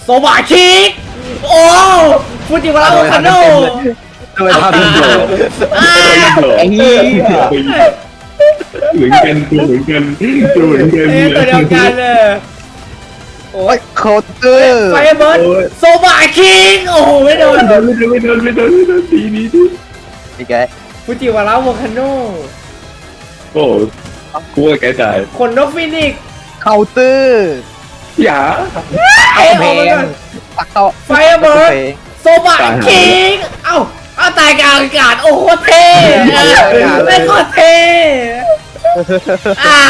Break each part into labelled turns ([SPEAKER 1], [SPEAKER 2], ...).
[SPEAKER 1] โซบะคิกโอ้ฟูจิวาระโอคาโน่
[SPEAKER 2] ทำไมทำเป็นโดดไอ้เหี้ยเหมือนกันตัวเหมือนกันตัวเหมือนกัน
[SPEAKER 1] ตัวเดียวกันเลย
[SPEAKER 3] โอ้ยเคาน์เตอร์
[SPEAKER 1] ไฟเบิร์ดโซบะคิกโอ้โหไม่โดน
[SPEAKER 2] ไม่โดนดีดี
[SPEAKER 3] นี่แก
[SPEAKER 1] ฟูจิวาระโอคาโน่
[SPEAKER 2] โอ้กลัวแกจ่าย
[SPEAKER 1] ขนนกฟินิกซ์
[SPEAKER 3] เคาน์เตอร์
[SPEAKER 2] อย่า
[SPEAKER 1] เอ้ยออกมาก่อน
[SPEAKER 3] ตักต่อ
[SPEAKER 1] ไฟเบิร์ดโซบะคิกเอาตายกลางอากาศโอ้โหเท่ไม่โคตรเท่อ่า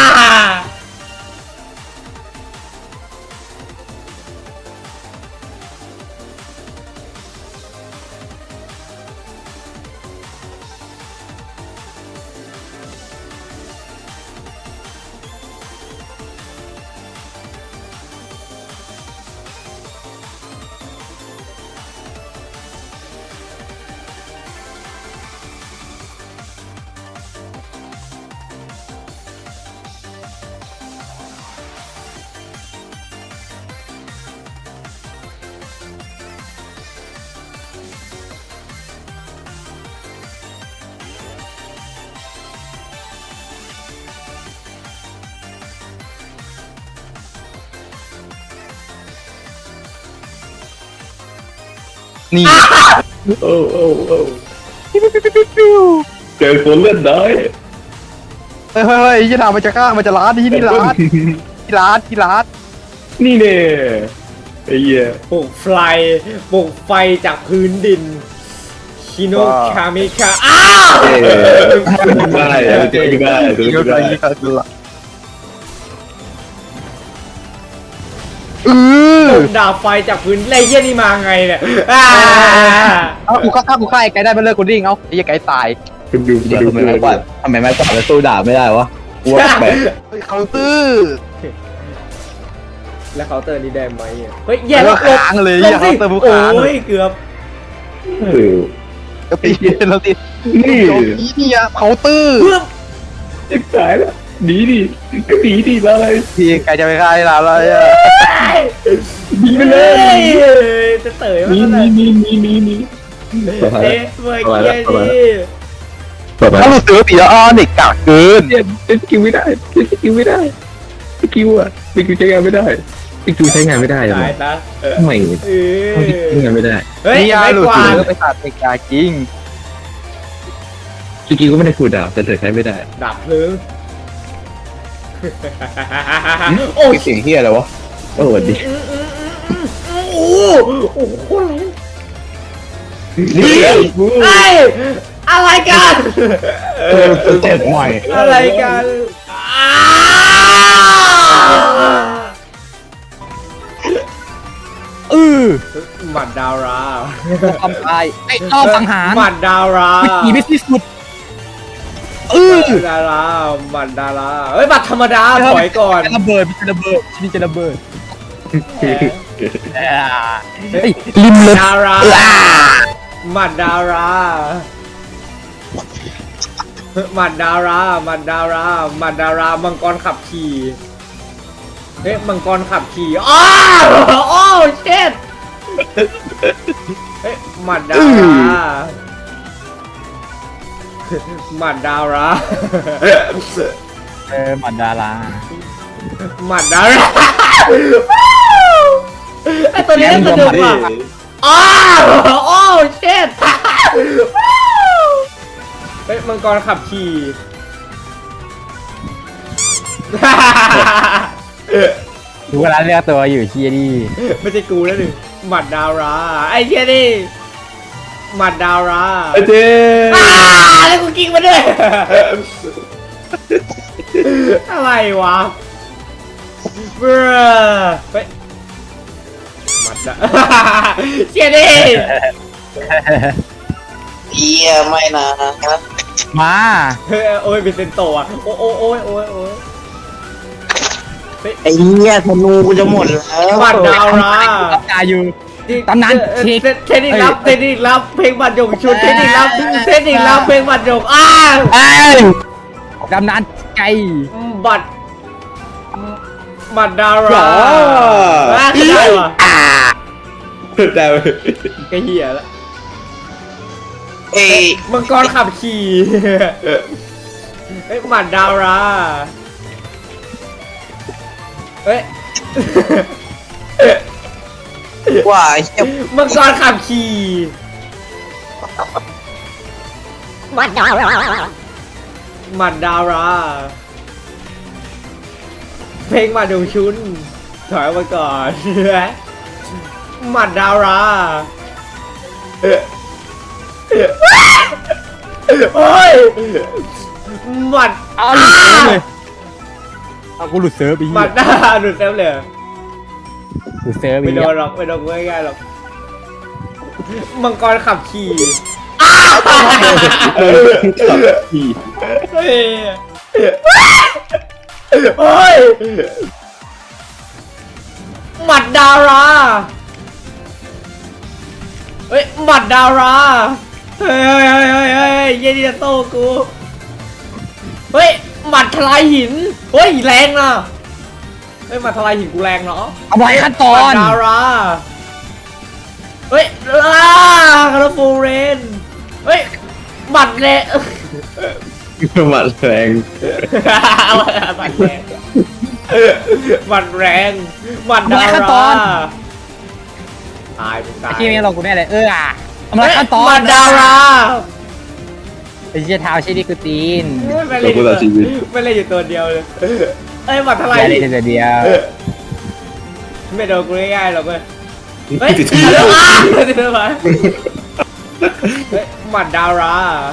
[SPEAKER 3] นี่
[SPEAKER 2] โอ้เจอคนเลือดน้อย
[SPEAKER 3] เฮ้ยยี่ถามมันจะฆ่ามันจะร้านที่ร้านที่ร้าน
[SPEAKER 2] นี่เนี่ยไอ้เหี้ย
[SPEAKER 1] ปลุกไฟจากพื้นดินชิโนคามิคาอ้าว
[SPEAKER 2] ได้เจอได้
[SPEAKER 3] ยี่ก็ได้ยี่ก็ได้
[SPEAKER 1] ดาบไฟจากพื้นไรเยี่ยนี่มาไงเนี่ย
[SPEAKER 3] เอากูฆ่าไอ้ไก่ได้มาเลิกกูดิ้งเอาไอ้ไก่ตาย
[SPEAKER 2] คุณดู
[SPEAKER 4] เดี๋ยวทำไมไม้กวาดแล้วสู้ดาบไม่ได้วะกูว่าแปลก
[SPEAKER 3] เคาน์เตอร์
[SPEAKER 1] แล้วเคาน์เตอร์นี่ได้ไหมเฮ้ยแย่
[SPEAKER 3] แล้ว
[SPEAKER 1] ลบ
[SPEAKER 3] ค้างเลย
[SPEAKER 1] ลบ
[SPEAKER 3] เคา
[SPEAKER 1] สิ
[SPEAKER 3] น์เตอร์ผู้
[SPEAKER 1] โอ้
[SPEAKER 3] ค้าง
[SPEAKER 1] ยเกือบ
[SPEAKER 3] ก็ตีเราตี
[SPEAKER 2] นี่
[SPEAKER 3] นี่อะเคาน์เตอร์
[SPEAKER 1] เพื่อ
[SPEAKER 2] จะตายแล้วหนีดิก็หนีดิอะไร
[SPEAKER 3] พี่ไก่จะไปฆ่าให้เราเลยอะ
[SPEAKER 2] หนีไปเลย
[SPEAKER 1] จะเต๋อ
[SPEAKER 2] หนี
[SPEAKER 1] มัน
[SPEAKER 2] หนี
[SPEAKER 1] เลย
[SPEAKER 2] หนีหนีหนีหนี
[SPEAKER 1] เอ๊ะเมื่อกี้นี่
[SPEAKER 3] ถ้าเราซื้อปีละเด็กกากเกิน
[SPEAKER 2] เนี่ยสกิลไม่ได้สกิลไม่ได้สกิลอะสกิลใช้งานไม่ได้สกิลใช้งานไม่ได้
[SPEAKER 1] ตายนะ
[SPEAKER 2] ทำไม
[SPEAKER 1] เออ
[SPEAKER 2] ใช้งานไม่ได้
[SPEAKER 1] เฮ้ย
[SPEAKER 3] นี่ยา
[SPEAKER 1] ไม่
[SPEAKER 3] หลุด
[SPEAKER 1] กวาด
[SPEAKER 3] ไปตัดเด็กกากจริง
[SPEAKER 2] สกิลก็ไม่ได้คูลดาวน์แต่เธอใช้ไม่ได้
[SPEAKER 1] ดับเพลิงโอ้ย
[SPEAKER 4] เสียงเฮียอะไรวะ
[SPEAKER 2] โอ้สวัสดี
[SPEAKER 1] โอ้โหโคตรแรง
[SPEAKER 2] นี่
[SPEAKER 1] ไอ้อะไรกัน
[SPEAKER 4] เจ็บหน่อย
[SPEAKER 1] อะไรกัน หมัดดารา
[SPEAKER 3] ทำตายไอ้รอบสังหาร
[SPEAKER 1] หมัดดารา
[SPEAKER 3] อีไม่ที่สุด
[SPEAKER 1] หมัดดาราหมัดดาราเฮ้ยหมัดธรรมดาถอยก่อน
[SPEAKER 3] จะระเบิดจะระเบิดชีวิตจะระเบิดริมเลย
[SPEAKER 1] ดาราหมัดดาราหมัดดาราหมัดดาราหมัดดารามังกรขับขี่เฮ้ยมังกรขับขี่อ้าวโอ้เช็ดเฮ้ยหมัดดาราหมัดดารา
[SPEAKER 3] หมัดดารา
[SPEAKER 1] หมัดดาราไอตัวนี้น่าสนุกว่ะอ้าวโอ้เช็ดเฮ้ยมังกรขับขี่
[SPEAKER 3] ดูเวลาเลือกตัวอยู่เชียดี้
[SPEAKER 1] ไม่ใช่กูแล้วหนึ่งหมัดดาราไอ้เชี่ยนี่หมัดดารา
[SPEAKER 2] เจ๊
[SPEAKER 1] แล้วกูกิ้งมาด้วยอะไรวะเบ้อเฮ้ยหมัดดาเชี่ยนี่
[SPEAKER 4] เฮียไม่นะ
[SPEAKER 3] มา
[SPEAKER 1] เฮ้ยโอ้ยเป็นเซนโตอ่ะโอ้โอ้โอ้ยโอ้ยโอ้ย
[SPEAKER 4] ไอ้เฮียธนูกูจะหมดแล้ว
[SPEAKER 1] หมัดดารา
[SPEAKER 3] รับตาอยู่ ตำนาน
[SPEAKER 1] เทคนิครับเพลงบัตรยงชุดเทคนิครับเพลงบัตรยงอ้าว
[SPEAKER 3] ดำนานไกล
[SPEAKER 1] บัตรดาราได้วะ
[SPEAKER 2] แต่
[SPEAKER 1] ก็เหี้ยละ
[SPEAKER 4] เอ้ย
[SPEAKER 1] มังกรขับขี่เอ้ยหมัดดาวราเอ้ย
[SPEAKER 4] ว่าไอ้เหี้ย
[SPEAKER 1] มังกรขับขี่หมัดดาวราเพลงมาดูชุนถอยมาก่อนหมัดดาวราโอ้ยหมัด
[SPEAKER 3] เอาหลุดเซิร์ฟเลยเอากูหลุดเซิร์ฟไป
[SPEAKER 1] หมัดหน้าหลุดเต็มเลย
[SPEAKER 3] หลุดเซิร์ฟไป
[SPEAKER 1] ไม่โดนหรอกไม่โดนกูง่ายๆหรอกมังกรขับขี่
[SPEAKER 2] ขี่
[SPEAKER 1] เฮ้ยโอ้ยหมัดดาราเฮ้ยหมัดดาราเฮ้ยเย็นดีจะโต้กูเฮ้ยหมัดทลายหินเฮ้ยแรงนะเฮ้ยหมัดทลายหินกูแรงเนาะ
[SPEAKER 3] เอาไว้ขั้นตอ
[SPEAKER 1] หมั
[SPEAKER 3] น
[SPEAKER 1] ดดาราเฮ้ยคาร์ฟูเรนเฮ้ยหมัดเละ
[SPEAKER 2] หมัดแรง
[SPEAKER 1] หมัดแรงหมัดแรงหมัดดาราตายมึงตาย
[SPEAKER 3] ที่นี่เรากูแน่เลยเอามาขั้นตอน
[SPEAKER 1] หมัดดารา
[SPEAKER 3] ไอ้เชี่ยเท้าใช่ดิกูตีน
[SPEAKER 1] ไม่เล่นไม่เล่นอยู่ตัวเดียวเลยเอ้ยหมัดทลาย
[SPEAKER 3] อย่าได้แต่เดียว
[SPEAKER 1] ไม่โดนกูง่ายๆหรอกเว้ยเฮ้ย
[SPEAKER 2] ติด
[SPEAKER 1] ติดแล้วติดแล้วเฮ้ยหมัดดารา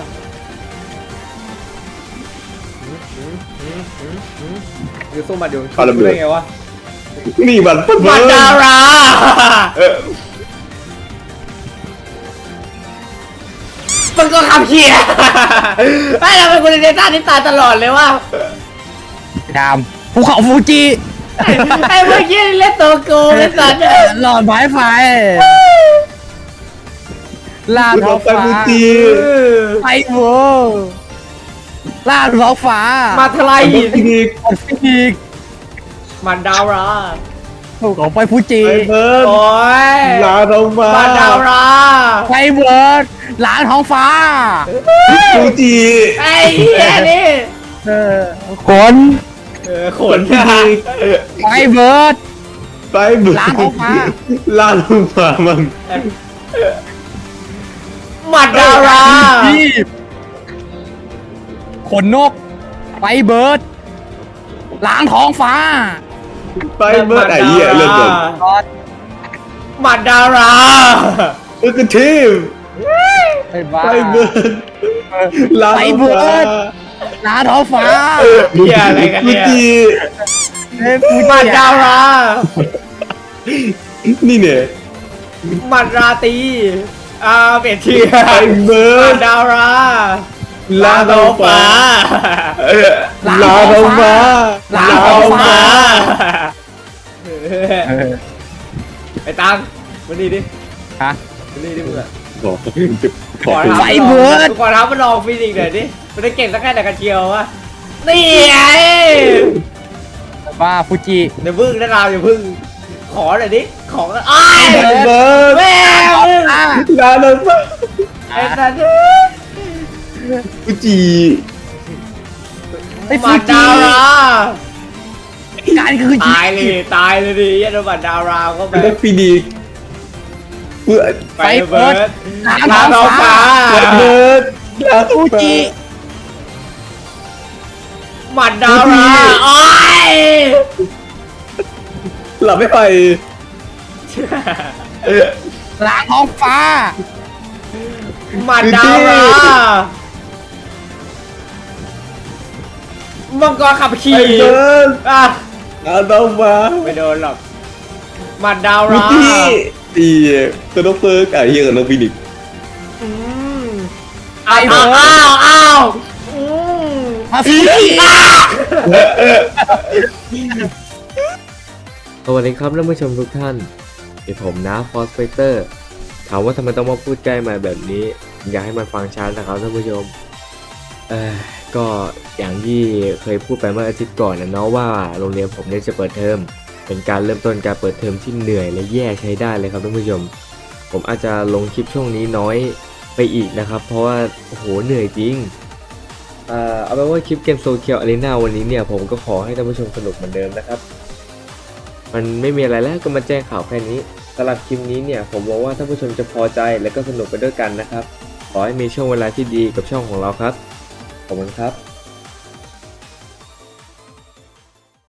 [SPEAKER 1] คือสู้หมัดดวงชุดได้ไงวะ
[SPEAKER 2] นี่มัน
[SPEAKER 1] หมัดดารามันก็ขับเขี่ยไอ้เราเป็นคนในต้าที่ตายตลอดเลยว่า
[SPEAKER 3] ดำภูเขาฟูจิ
[SPEAKER 1] ไอ้เมื่อกี้เล่นตัวโกงเล่นสัตว์
[SPEAKER 3] หลอดไม้ไฟลาดท้อง
[SPEAKER 2] ไป
[SPEAKER 3] ฟ้า
[SPEAKER 2] มูจี
[SPEAKER 3] ไฟโวลาดท้องฟ้า
[SPEAKER 1] มาทลายหิน
[SPEAKER 2] อีก
[SPEAKER 3] อีก
[SPEAKER 1] มันดาวรา
[SPEAKER 3] ภูเขาไฟฟูจิ
[SPEAKER 2] ไอเบิร์ด
[SPEAKER 1] โอ้ย
[SPEAKER 2] ลาลงมา
[SPEAKER 1] มาดาวรา
[SPEAKER 3] ไฟเบิร์ดลาดท้องฟ้า
[SPEAKER 2] มูจี
[SPEAKER 1] ไอ้เหี้ยนี่
[SPEAKER 3] ขน
[SPEAKER 1] ขน
[SPEAKER 3] ไฟเบิร์ด
[SPEAKER 2] ไปเบิร์ด
[SPEAKER 3] ลาลงมา
[SPEAKER 2] ลาลงมามัน
[SPEAKER 1] มาดาวรา
[SPEAKER 3] พี่ขนนกไฟเบิร์ดล้างท้องฟ้า
[SPEAKER 2] ไปเบิร์ดไอ้เหี้ยเลือดเดือด
[SPEAKER 1] มาดาวรา
[SPEAKER 2] เออคือทีม
[SPEAKER 3] ไปบ้า
[SPEAKER 2] ไปเบิร์ดลาลง
[SPEAKER 3] ไปเบิ
[SPEAKER 2] มา
[SPEAKER 3] ร์ด ล้างท้องฟ้า
[SPEAKER 1] เหี้ยอะไรกัน
[SPEAKER 2] มู
[SPEAKER 1] เนี่ย
[SPEAKER 2] จี
[SPEAKER 1] มาดาวรา
[SPEAKER 2] นี่เนี่ย
[SPEAKER 1] มาราตีเปลี่ยนชื่อ
[SPEAKER 2] ไปเบิร์
[SPEAKER 1] มา
[SPEAKER 2] ด
[SPEAKER 1] ดาวรา
[SPEAKER 2] ลาลงมา ลาลงมา
[SPEAKER 3] ลาท้องฟ้า
[SPEAKER 1] ไอ้ตังมานี่ดิ
[SPEAKER 3] ฮะ
[SPEAKER 1] มานี่ดิมึงอะ
[SPEAKER 2] ขอ
[SPEAKER 1] ขอ
[SPEAKER 3] ไฟเบิร์ด
[SPEAKER 1] ขอท้ามันลองฟิสิกส์หน่อยดิมันได้เก่งสักแค่ไหนกันเชียววะนี่ไง
[SPEAKER 3] บ้าฟูจิ
[SPEAKER 1] เดี๋ยวพึ่งนะเราอย่าพึ่งขอหน่อยดิของอ้าย
[SPEAKER 2] ไปเบิร์ด
[SPEAKER 1] แม่มึง
[SPEAKER 2] ลาลงมา
[SPEAKER 1] ไอ้สัตว์
[SPEAKER 2] มูจี
[SPEAKER 3] ไอ้
[SPEAKER 1] มา
[SPEAKER 3] ฟูจิ
[SPEAKER 1] ดาวรา
[SPEAKER 3] การคือ
[SPEAKER 1] ตายเลยดิยันบัตดาวราเข้าไป
[SPEAKER 2] แล้วฟีนิกซ์เบิร์ด
[SPEAKER 1] ไปเบิร์ด
[SPEAKER 3] ล้าง
[SPEAKER 1] ลา
[SPEAKER 3] ท้
[SPEAKER 1] ท้
[SPEAKER 3] อ
[SPEAKER 1] อง ง
[SPEAKER 3] ฟ้า
[SPEAKER 1] ฟ้า
[SPEAKER 2] เบิร์ดลา
[SPEAKER 3] ฟูจิ
[SPEAKER 1] หมัดดาวราโอ้ย
[SPEAKER 2] หลับไม่ไป
[SPEAKER 3] ล้างท้องฟ้า
[SPEAKER 1] หมัดดาวรามังกรขับ
[SPEAKER 2] ไอ้
[SPEAKER 1] ขี่
[SPEAKER 2] เบิร์ด
[SPEAKER 1] อ่ะ
[SPEAKER 2] ลาลงมา
[SPEAKER 1] ไม่โดนหรอกหมัดดาว
[SPEAKER 2] มู
[SPEAKER 1] รา
[SPEAKER 2] จีตีตัวน้องเฟิร์กไอ้เหี้ยกับน้องฟีนิกซ์
[SPEAKER 1] อืมอ้าวอืม
[SPEAKER 3] มาฟูจิ
[SPEAKER 5] สวัสดีครับท่านผู้ชมทุกท่านเป็นผมนะฟอสไฟเตอร์ถามว่าทำไมต้องมาพูดใกล้ไมค์แบบนี้อยากให้มันฟังชัดนะครับท่านผู้ชมก็อย่างที่เคยพูดไปเมื่ออาทิตย์ก่อนนะเนาะว่าโรงเรียนผมเนี่ยจะเปิดเทอมเป็นการเริ่มต้นการเปิดเทอมที่เหนื่อยและแย่ใช้ได้เลยครับท่านผู้ชมผมอาจจะลงคลิปช่วงนี้น้อยไปอีกนะครับ เพราะว่าโอ้โหเหนื่อยจริงเอาเป็นว่าคลิปเกมโซเคียวอารีนาวันนี้เนี่ยผมก็ขอให้ท่านผู้ชมสนุกเหมือนเดิมนะครับมันไม่มีอะไรแล้วก็มาแจ้งข่าวแค่นี้สำหรับคลิปนี้เนี่ยผมหวังว่าท่านผู้ชมจะพอใจและก็สนุกไปด้วยกันนะครับขอให้มีช่วงเวลาที่ดีกับช่องของเราครับขอบคุณครับ